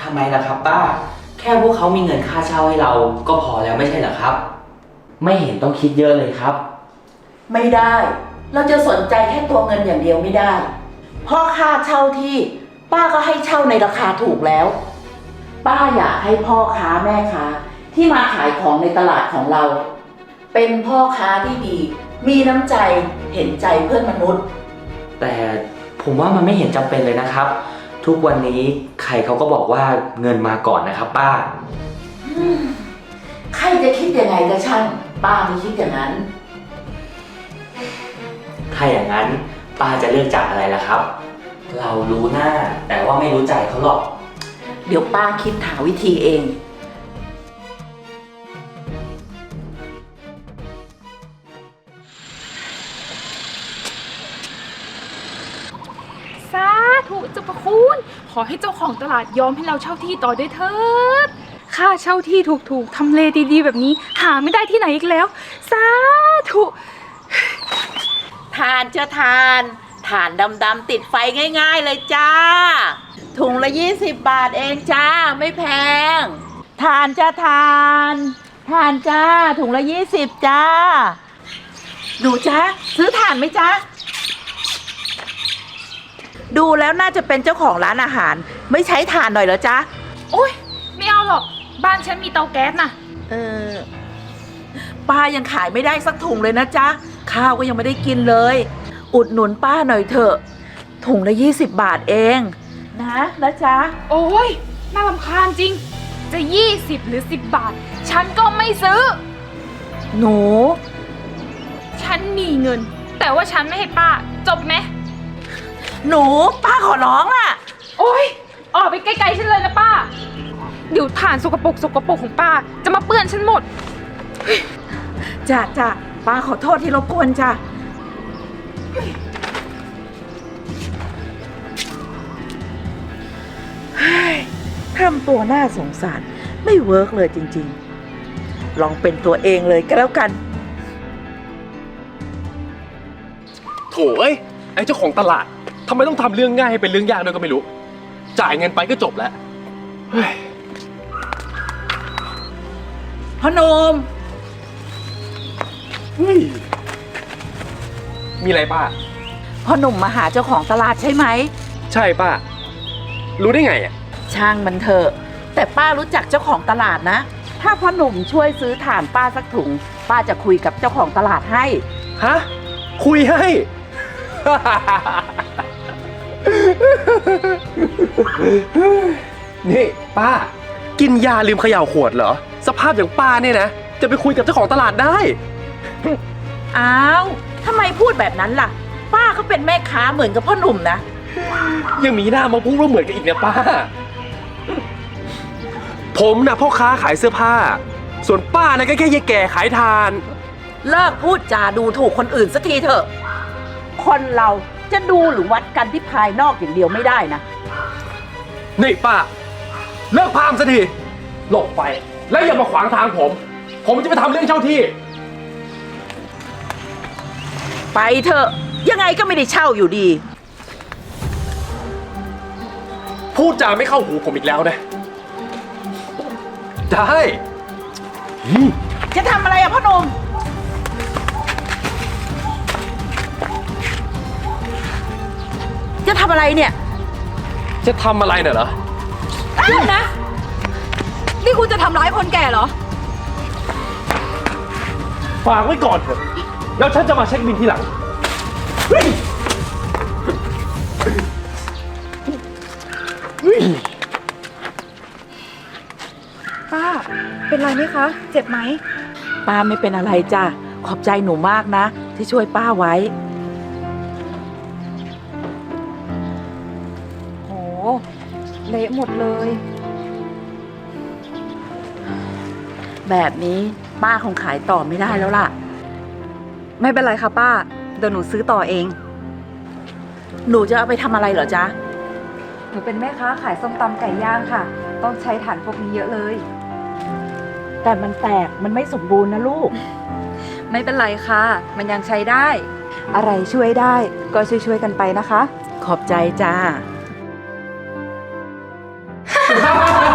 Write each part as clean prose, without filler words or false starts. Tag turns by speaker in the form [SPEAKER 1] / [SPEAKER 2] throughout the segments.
[SPEAKER 1] ทำไมล่ะครับป้าแค่พวกเขามีเงินค่าเช่าให้เราก็พอแล้วไม่ใช่เหรอครับไม่เห็นต้องคิดเยอะเลยครับ
[SPEAKER 2] ไม่ได้เราจะสนใจแค่ตัวเงินอย่างเดียวไม่ได้เพราะค่าเช่าที่ป้าก็ให้เช่าในราคาถูกแล้วป้าอยากให้พ่อค้าแม่ค้าที่มาขายของในตลาดของเราเป็นพ่อค้าที่ดีมีน้ำใจเห็นใจเพื่อนมนุษย์
[SPEAKER 1] แต่ผมว่ามันไม่เห็นจำเป็นเลยนะครับทุกวันนี้ใครเขาก็บอกว่าเงินมาก่อนนะครับป้า
[SPEAKER 2] ใครจะคิดยังไงก็ช่างป้าไม่คิดอย่างนั้น
[SPEAKER 1] ถ้าอย่างนั้นป้าจะเลือกจากอะไรล่ะครับเรารู้หน้าแต่ว่าไม่รู้ใจเขาหรอก
[SPEAKER 2] เดี๋ยวป้าคิดหาวิธีเอง
[SPEAKER 3] สาธุเจ้าพระคุณขอให้เจ้าของตลาดยอมให้เราเช่าที่ต่อด้วยเถิดค่าเช่าที่ถูกๆทำเลดีๆแบบนี้หาไม่ได้ที่ไหนอีกแล้วสาธุ
[SPEAKER 2] ทานจะทานดำๆติดไฟง่ายๆเลยจ้าถุงละ20 บาทเองจ้าไม่แพงทานจะทานจ้าถุงละ20จ้าหนูจ้าซื้อทานไหมจ้าดูแล้วน่าจะเป็นเจ้าของร้านอาหารไม่ใช้ถ่านหน่อยเหรอจ๊ะ
[SPEAKER 3] โอ๊ยไม่เอาหรอกบ้านฉันมีเตาแก๊สน่ะ
[SPEAKER 2] ป้ายังขายไม่ได้สักถุงเลยนะจ๊ะข้าวก็ยังไม่ได้กินเลยอุดหนุนป้าหน่อยเถอะถุงละ20 บาทเองนะจ๊ะ
[SPEAKER 3] โอ๊ยน่ารำคาญจริงจะ20หรือ10 บาทฉันก็ไม่ซื้อ
[SPEAKER 2] หนู
[SPEAKER 3] ฉันมีเงินแต่ว่าฉันไม่ให้ป้าจบไหม
[SPEAKER 2] หนูป้าขอร้องล่ะ
[SPEAKER 3] โอ๊ยออกไปไกลๆฉันเลยนะป้าเดี๋ยวถ่านสกปรกของป้าจะมาเปื้อนฉันหมด
[SPEAKER 2] จ้ะป้าขอโทษที่รบกวนจ้ะทำตัวน่าสงสารไม่เวิร์กเลยจริงๆลองเป็นตัวเองเลยก็แล้วกัน
[SPEAKER 4] โถ่เอ้ยไอ้เจ้าของตลาดทำไมต้องทำเรื่องง่ายให้เป็นเรื่องยากด้วยก็ไม่รู้จ่ายเงินไปก็จบแล้วเฮ้ย
[SPEAKER 2] พ่อหนม
[SPEAKER 4] มีอะไรป้า
[SPEAKER 2] พ่อหนุ่มมาหาเจ้าของตลาดใช่ไหม
[SPEAKER 4] ใช่ป้ารู้ได้ไงอ่ะ
[SPEAKER 2] ช่างมันเถอะแต่ป้ารู้จักเจ้าของตลาดนะถ้าพ่อหนุ่มช่วยซื้อถ่านป้าสักถุงป้าจะคุยกับเจ้าของตลาดให้
[SPEAKER 4] ฮะคุยให้นี่ป้ากินยาลืมเขย่าขวดเหรอสภาพอย่างป้าเนี่ยนะจะไปคุยกับเจ้าของตลาดได้
[SPEAKER 2] อ้าวทำไมพูดแบบนั้นล่ะป้าเขาเป็นแม่ค้าเหมือนกับพ่อหนุ่มนะ
[SPEAKER 4] ยังมีหน้ามาพูดว่าเหมือนกันอีกนะป้าผมนะพ่อค้าขายเสื้อผ้าส่วนป้านะก็แค่ยายแก่ขายทาน
[SPEAKER 2] เลิกพูดจาดูถูกคนอื่นสักทีเถอะคนเราจะดูหรือวัดกันที่ภายนอกอย่างเดียวไม่ได้นะ
[SPEAKER 4] นี่ป้าเลิกพามสักทีหลบไปแล้วอย่ามาขวางทางผมจะไปทำเรื่องเช่าที่
[SPEAKER 2] ไปเถอะยังไงก็ไม่ได้เช่าอยู่ดี
[SPEAKER 4] พูดจาไม่เข้าหูผมอีกแล้วนะได้
[SPEAKER 2] จะทำอะไรอะพ่อหนุ่มจะทำอะไรเนี่ย
[SPEAKER 4] จะทำอะไรเนี่ยเหรอ
[SPEAKER 3] หยุดนะนี่คุณจะทำร้ายคนแก่เหรอ
[SPEAKER 4] ฝากไว้ก่อนเถอะแล้วฉันจะมาเช็คบินทีหลัง
[SPEAKER 3] ป้าเป็นไรไหมคะเจ็บไหม
[SPEAKER 2] ป้าไม่เป็นอะไรจ้ะขอบใจหนูมากนะที่ช่วยป้าไว้
[SPEAKER 3] โหเละหมดเลย
[SPEAKER 2] แบบนี้ป้าคงขายต่อไม่ได้แล้วล่ะ
[SPEAKER 3] ไม่เป็นไรค่ะป้าเดี๋ยวหนูซื้อต่อเอง
[SPEAKER 2] หนูจะเอาไปทำอะไรเหรอจ๊ะ
[SPEAKER 3] หนูเป็นแม่ค้าขายส้มตำไก่ย่างค่ะต้องใช้ถ่านพวกนี้เยอะเลย
[SPEAKER 2] แต่มันแตกมันไม่สมบูรณ์นะลูก
[SPEAKER 3] ไม่เป็นไรค่ะมันยังใช้ได้อะไรช่วยได้ก็ช่วยกันไปนะคะ
[SPEAKER 2] ขอบใจจ้า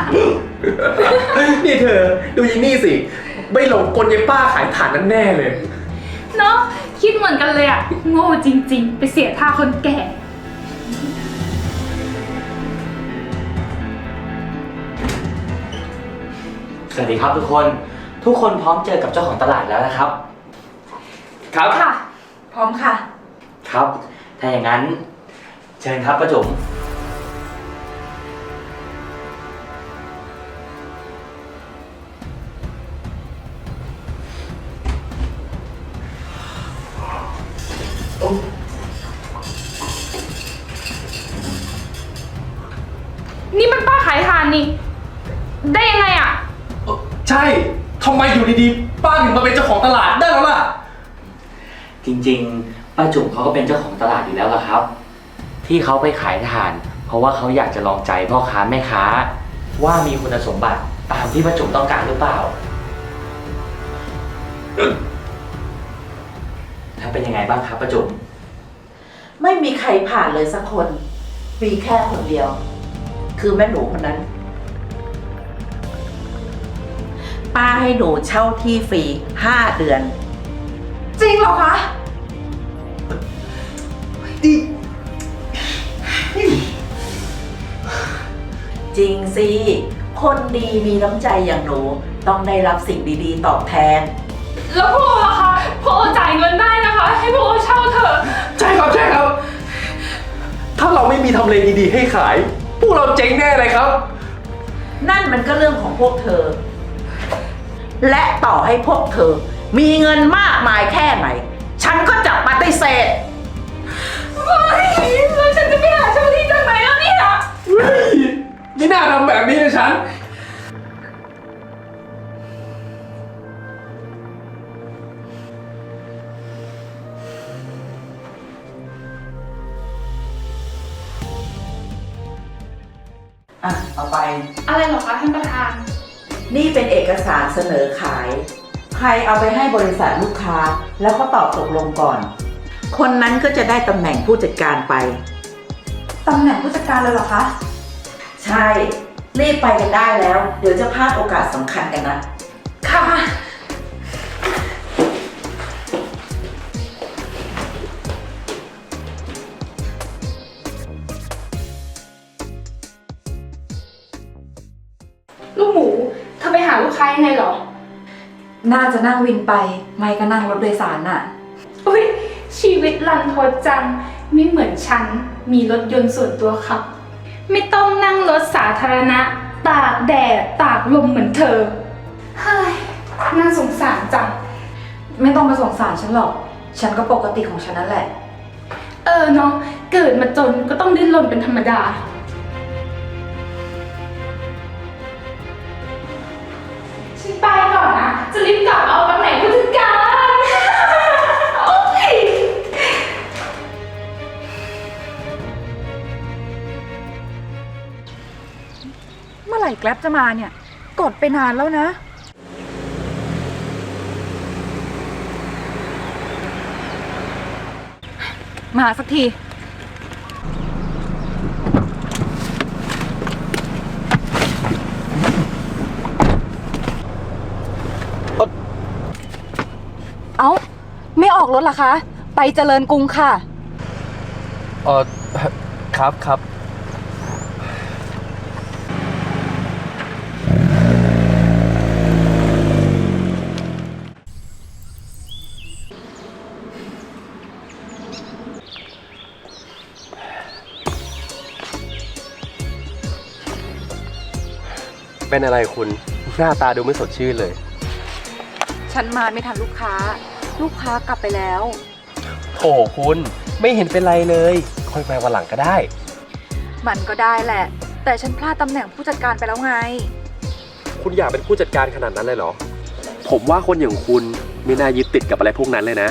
[SPEAKER 4] นี่เธอดูยินนี่สิไม่หลงกลยายป้าขายถ่านนั่นแน่เลย
[SPEAKER 3] เนาะคิดเหมือนกันเลยอะโง่จริงๆ ไปเสียท่าคนแก่
[SPEAKER 1] สวัสดีครับทุกคน ทุกคนพร้อมเจอกับเจ้าของตลาดแล้วนะครับ
[SPEAKER 4] ครับ
[SPEAKER 3] ค่ะ
[SPEAKER 2] พร้อมค่ะ
[SPEAKER 1] ครับ ถ้าอย่างนั้นเชิญครับป้าจุ๋ม
[SPEAKER 3] นี่มันป้าขายทานนี่ ได้ยังไงอะ
[SPEAKER 4] ใช่ทำไมอยู่ดีๆป้าถึงมาเป็นเจ้าของตลาดได้แล้วล่ะ
[SPEAKER 1] จริงๆป้าจุ๋มเขาก็เป็นเจ้าของตลาดอยู่แล้วล่ะครับ ที่เขาไปขายถ่าน เพราะว่าเขาอยากจะลองใจพ่อค้าแม่ค้า ว่ามีคุณสมบัติตามที่ป้าจุ๋มต้องการหรือเปล่า ถ้าเป็นยังไงบ้างครับป้าจุ๋ม
[SPEAKER 2] ไม่มีใครผ่านเลยสักคนมีแค่คนเดียว คือแม่หนูคนนั้น ป้าให้หนูเช่าที่ฟรี5 เดือน
[SPEAKER 3] จริงเหรอคะ
[SPEAKER 2] จริงสิ คนดีมีน้ำใจอย่างหนูต้องได้รับสิ่งดีๆตอบแทน
[SPEAKER 3] แล้วพ่อล่ะคะพ่อจ่ายเงินได้นะคะ ให้พ่อเช่าเถอะ
[SPEAKER 4] ใช่ครับใช่ครับ ถ้าเราไม่มีทำเลดีๆให้ขาย พวกเราเจ๊งแน่เลยครับ
[SPEAKER 2] นั่นมันก็เรื่องของพวกเธอ และต่อให้พวกเธอ มีเงินมากมายแค่ไหน ฉันก็จะปฏิเสธ
[SPEAKER 3] เฮ้ยแล้วฉันจะไปหาเช่าที่จากไหนแล้วเนี่ย
[SPEAKER 4] เฮ้ยไม่น่าทำแบบนี้เลยฉัน
[SPEAKER 2] อ่ะ เอาไป
[SPEAKER 3] อะไรเหรอคะท่านประธาน
[SPEAKER 2] นี่เป็นเอกสารเสนอขาย ใครเอาไปให้บริษัทลูกค้า แล้วก็ตอบตกลงก่อน คนนั้นก็จะได้ตำแหน่งผู้จัดการไป
[SPEAKER 3] ตำแหน่งผู้จัดการเลยเหรอคะ
[SPEAKER 2] ใช่ รีบไปกันได้แล้ว เดี๋ยวจะพลาดโอกาสสำคัญกันนะ
[SPEAKER 3] ค่ะ ลูกหมู เธอไปหาลูกค้ายังไงเหรอ
[SPEAKER 5] น่าจะนั่งวินไป ไม่ก็นั่งรถโดยสารน่ะ
[SPEAKER 3] อุ้ยชีวิตรันทดจัง ไม่เหมือนฉัน มีรถยนต์ส่วนตัวขับ ไม่ต้องนั่งรถสาธารณะ ตากแดด ตากลมเหมือนเธอ เฮ้ย น่าสงสารจัง
[SPEAKER 5] ไม่ต้องมาสงสารฉันหรอก ฉันก็ปกติของฉันนั่นแหละ
[SPEAKER 3] เออเนาะ เกิดมาจนก็ต้องดิ้นรนเป็นธรรมดา ฉันไปก่อนนะ จะรีบกลับมาเอาตำแหน่งผู้จัดการ โอ๊ย
[SPEAKER 5] เมื่อไหร่แกร็บจะมาเนี่ย กดไปนานแล้วนะ มาสักที เอ้า ไม่ออกรถเหรอคะ ไปเจริญกรุงค่ะ
[SPEAKER 4] ครับครับ เป็นอะไรคุณ หน้าตาดูไม่สดชื่นเลย
[SPEAKER 5] ฉันมาไม่ทันลูกค้า ลูกค้ากลับไปแล้ว
[SPEAKER 4] โถคุณไม่เห็นเป็นไรเลยค่อยมาวันหลังก็ได้
[SPEAKER 5] มันก็ได้แหละ แต่ฉันพลาดตำแหน่งผู้จัดการไปแล้วไง
[SPEAKER 4] คุณอยากเป็นผู้จัดการขนาดนั้นเลยเหรอ ผมว่าคนอย่างคุณไม่น่ายึดติดกับอะไรพวกนั้นเลยนะ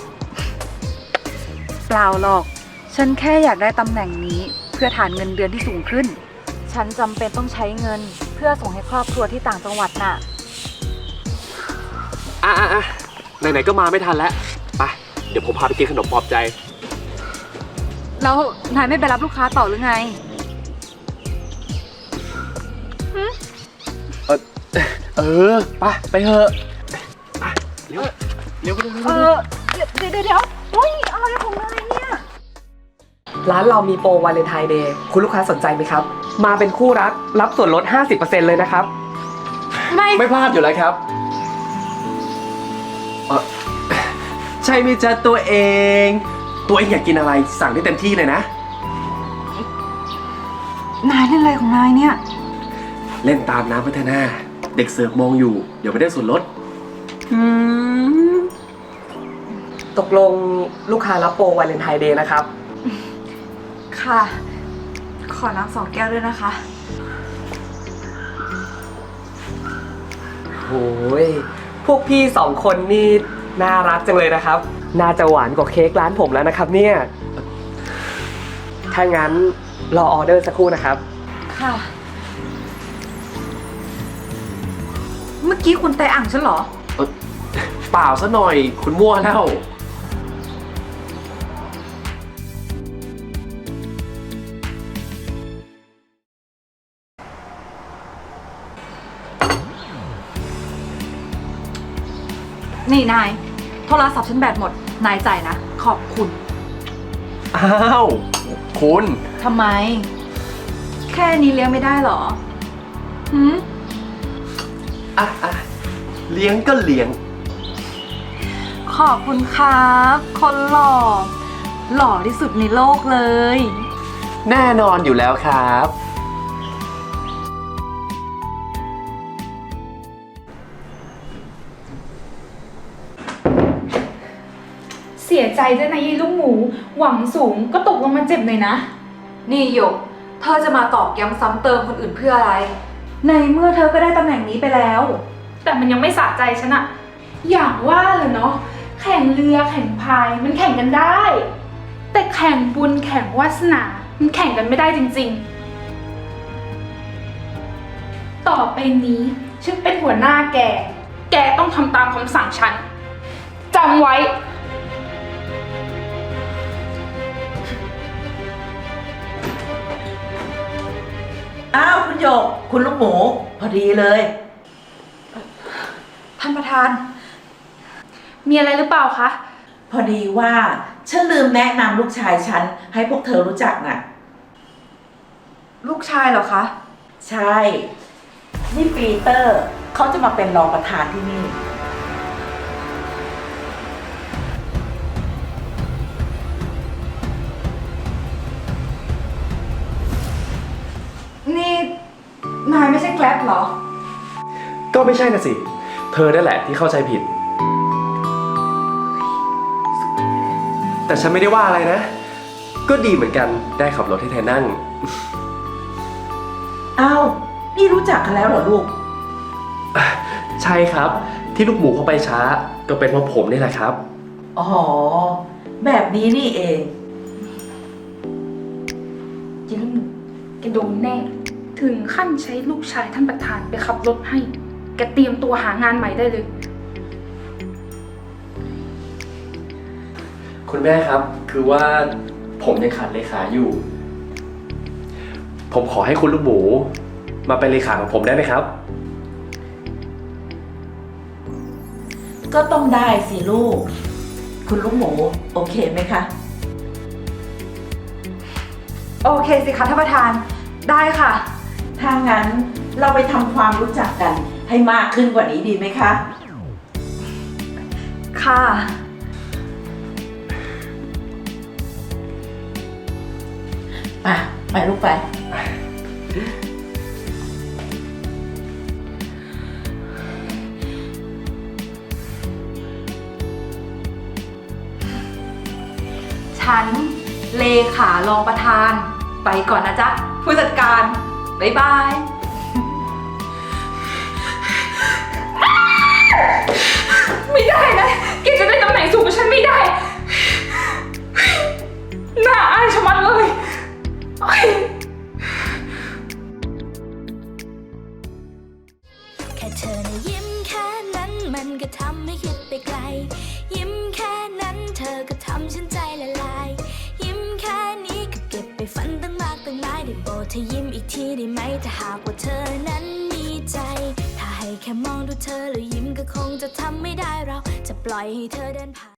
[SPEAKER 5] เปล่าหรอก ฉันแค่อยากได้ตำแหน่งนี้เพื่อฐานเงินเดือนที่สูงขึ้น ฉันจำเป็นต้องใช้เงินเพื่อส่งให้ครอบครัวที่ต่างจังหวัดน่ะ
[SPEAKER 4] ไหนๆก็มาไม่ทันแล้ว ไป เดี๋ยวผมพาไปกินขนมปลอบใจ
[SPEAKER 5] แล้วนายไม่ไปรับลูกค้าต่อหรือไง
[SPEAKER 4] เออไปเถอะไปเร็วเร็ว
[SPEAKER 5] เดี๋ยวโอ้ยอะไรของนายเนี่ย
[SPEAKER 6] ร้านเรามีโปรวาเลนไทน์เดย์คุณลูกค้าสนใจไหมครับ มาเป็นคู่รักรับส่วนลด 50% เลยนะครับ
[SPEAKER 4] ไม่พลาดอยู่แล้วครับใช่ไหมจ๊ะตัวเองอยากกินอะไรสั่งได้เต็มที่เลยนะ
[SPEAKER 5] นายเล่นอะไรของนายเนี่ย
[SPEAKER 4] เล่นตามน้ำพัฒนาเด็กเสิร์ฟมองอยู่เดี๋ยวไม่ได้ส่วนลด
[SPEAKER 6] ตกลงลูกค้ารับโปรวาเลนไทน์เดย์นะครับ
[SPEAKER 5] ค่ะ ขอน้ำ2 แก้วด้วยนะคะ
[SPEAKER 6] โอ้ยพวกพี่2 คนนี่น่ารักจังเลยนะครับ น่าจะหวานกว่าเค้กร้านผมแล้วนะครับเนี่ย ถ้างั้นรอออเดอร์สักครู่นะครับ
[SPEAKER 5] ค่ะ เมื่อกี้คุณไตอ่างฉันเหรอ
[SPEAKER 4] เปล่าซะหน่อยคุณมั่วแล้ว
[SPEAKER 5] นี่นาย โทรศัพท์ฉันแบตหมด นายจ่ายนะ ขอบคุณ
[SPEAKER 4] อ้าวคุณ
[SPEAKER 5] ทำไม แค่นี้เลี้ยงไม่ได้เหรอหืม
[SPEAKER 4] เลี้ยงก็เลี้ยง
[SPEAKER 5] ขอบคุณครับ คนหล่อ หล่อที่สุดในโลกเลย
[SPEAKER 4] แน่นอนอยู่แล้วครับ
[SPEAKER 3] เสียใจด้วยนะยายลูกหมู หวังสูงก็ตกลงมาเจ็บหน่อยนะ
[SPEAKER 5] นี่หยก เธอจะมาตอกย้ำซ้ำเติมคนอื่นเพื่ออะไร ในเมื่อเธอก็ได้ตำแหน่งนี้ไปแล้ว
[SPEAKER 3] แต่มันยังไม่สะใจฉันอะอย่างว่าเลยเนาะ แข่งเรือแข่งพายมันแข่งกันได้ แต่แข่งบุญแข่งวาสนา มันแข่งกันไม่ได้จริงๆ ต่อไปนี้ฉันเป็นหัวหน้าแก แกต้องทำตามคำสั่งฉันจำไว้
[SPEAKER 2] อ้าวคุณหยก คุณลูกหมู พอดีเลย
[SPEAKER 5] ท่านประธาน
[SPEAKER 3] มีอะไรหรือเปล่าคะ
[SPEAKER 2] พอดีว่าฉันลืมแนะนำลูกชายฉันให้พวกเธอรู้จักน่ะ
[SPEAKER 5] ลูกชายเหรอคะ
[SPEAKER 2] ใช่ นี่ปีเตอร์เขาจะมาเป็นรองประธานที่นี่
[SPEAKER 5] นี่นายไม่ใช่แกร็บเหรอ
[SPEAKER 4] ก็ไม่ใช่นะสิ เธอนั่นแหละที่เข้าใจผิด แต่ฉันไม่ได้ว่าอะไรนะ ก็ดีเหมือนกันได้ขับรถให้เธอนั่ง
[SPEAKER 2] อ้าว นี่รู้จักกันแล้วเหรอลูก
[SPEAKER 4] ใช่ครับ ที่ลูกหมูเข้าไปช้า ก็เป็นเพราะผมนี่แหละครับ
[SPEAKER 2] อ๋อ แบบนี้นี่เอง
[SPEAKER 3] ยายลูกหมูแกโดนแน่ ถึงขั้นใช้ลูกชายท่านประธานไปขับรถให้ แกเตรียมตัวหางานใหม่ได้เลย
[SPEAKER 4] คุณแม่ครับ คือว่าผมยังขาดเลขาอยู่ ผมขอให้คุณลูกหมู มาเป็นเลขาของผมได้ไหมครับ
[SPEAKER 2] ก็ต้องได้สิลูก คุณลูกหมู โอเคไหมคะ
[SPEAKER 5] โอเคสิคะท่านประธาน ได้ค่ะ
[SPEAKER 2] ถ้างั้นเราไปทำความรู้จักกันให้มากขึ้นกว่านี้ดีไหมคะ
[SPEAKER 5] ค่ะ
[SPEAKER 2] ไปลูกไป
[SPEAKER 5] ฉัน เลขารองประธาน ไปก่อนนะจ๊ะ ผู้จัดการ บ๊ายบาย
[SPEAKER 3] ไม่ได้นะ แกจะได้ตำแหน่งสูงกว่าฉันไม่ได้ น่าอายชะมัดเลยเฮ้ย
[SPEAKER 7] แค่เธอนะยิ้มแค่นั้นมันก็ทำให้คิดไปไกล ยิ้มแค่นั้นเธอก็ทำฉันใจละลาย ยิ้มแค่นี้ก็เก็บไปฝันตั้งมากตั้งหลายได้โปรดเธอยิ้มอีกทีได้ไหมถ้าหากว่าเธอนั้นมีใจ ถ้าให้แค่มองดูเธอแล้วยิ้มก็คงจะทำไม่ได้เราจะปล่อยให้เธอเดินผ่าน